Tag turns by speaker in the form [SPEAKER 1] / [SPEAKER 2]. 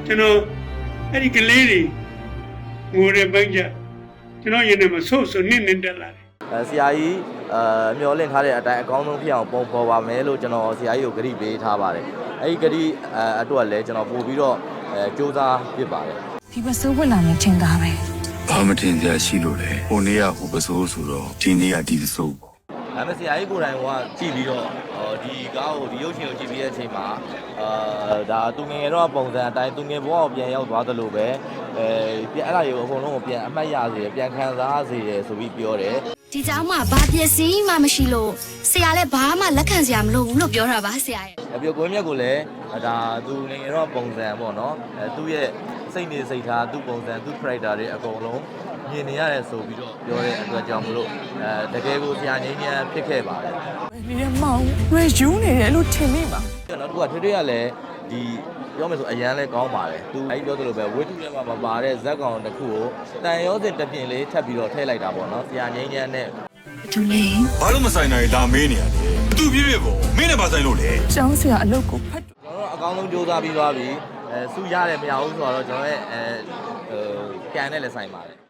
[SPEAKER 1] ကျွန်တော်အဲ့ဒီကလေးတွေငိုတဲ့ပိုင်းကျကျွန်တော်ရင်ထဲမှာဆိုးဆိုးနစ်နစ်တက်လာတယ်
[SPEAKER 2] ဆရာကြီးမျောလင့်ထားတဲ့အတိုင်းအကောင်းဆုံးဖြစ်အောင်ပုံဖော်ပါမယ်လို့ကျွန်တော်ဆရာကြီးကိုဂရုပေးထားပါတယ်အဲ့ဒီဂရုအတွက်လည်းကျွန်တော်ပို့ပြီးတော့စူးစမ်းဖြစ်ပါတယ်
[SPEAKER 3] ဒီပစိုးဝင်လာမယ်ထင်တာပဲ
[SPEAKER 4] ဘာမတင်စရာရှိလို့လဲဟိုနေ့ကဟိုပစိုးဆိုတော့ဒီနေ့ကဒီပစိုးပေါ့
[SPEAKER 2] ဒါပေမဲ့ဆရာကြီးကိုယ်တိုင်ကကြည့်ပြီးတော့ဒီကားကိုဒီရုပ်ရှင်ကိုကြည့်ပြီးတဲ့အချိန်မှာဒါသူငယ်ငယ်တော့ပုံစံအတိုင်းသူငယ်ဘဝကိုပြန်ရောက်သွားသလိုပဲပြန်အဲ့ဒါတွေကိုအကုန်လုံးကိုပြန်အမှတ်ရစေတယ်ပြန်ခံစားစေတယ်ဆိုပြီးပြောတယ်
[SPEAKER 5] ဒီเจ้าမှာဘာပစ္စည်းမှမရှိလို့ဆရာလည်းဘာမှလက်ခံစရာမလိုဘူးလို့ပြောတာပါဆရာရဲ့
[SPEAKER 2] ပြီးကိုမြတ်ကိုလည်းဒါသူငယ်ငယ်တော့ပုံစံပေါ့နော်သူ့ရဲ့စိတ်နေစိတ်ထားသူ့ပုံစံသူ့ character တွေအကုန်လုံးမြင်နေရတယ်ဆိုပြီးတော့ပြောတဲ့အတွက်ကြောင့်မလို့တကယ်ကိုဆရာငင်းငင်းဖြစ်ခဲ့ပါတယ်
[SPEAKER 3] ဒီကမောင်ရွေယူနေတယ်လို့ထင်မိပါ
[SPEAKER 2] နောက်တစ်ခုကထွေထွေကလည်းဒီပြောမယ်ဆိုအရန်လဲကောင်းပါတယ်သူအဲ့ပြောသလိုပဲဝိတုထဲမှာမပါတဲ့ဇက်ကောင်တစ်ခုကိုတန်ရောစင်တစ်ပြင်လေးထပ်ပြီးတော့ထည့်လိုက်တာပေါ့နော်ဆရာငင်းငင်းနဲ့
[SPEAKER 5] သူလေး
[SPEAKER 4] ဘာလို့မဆိုင်နိုင်လာမေးနေရလဲသူပြည့်ပြည့်ပေါ့မင်းနဲ့ပါဆိုင်လို့လေ
[SPEAKER 3] ကျောင်းဆရာအလုပ်ကိုဖတ်
[SPEAKER 2] ကျွန်တော်အကောင်းဆုံးစူးစမ်းပြီးသွားပြီစုရတယ်မရဘူးဆိုတော့ကျွန်တော်ရဲ့ကန်နဲ့လည်းဆိုင်ပါတယ်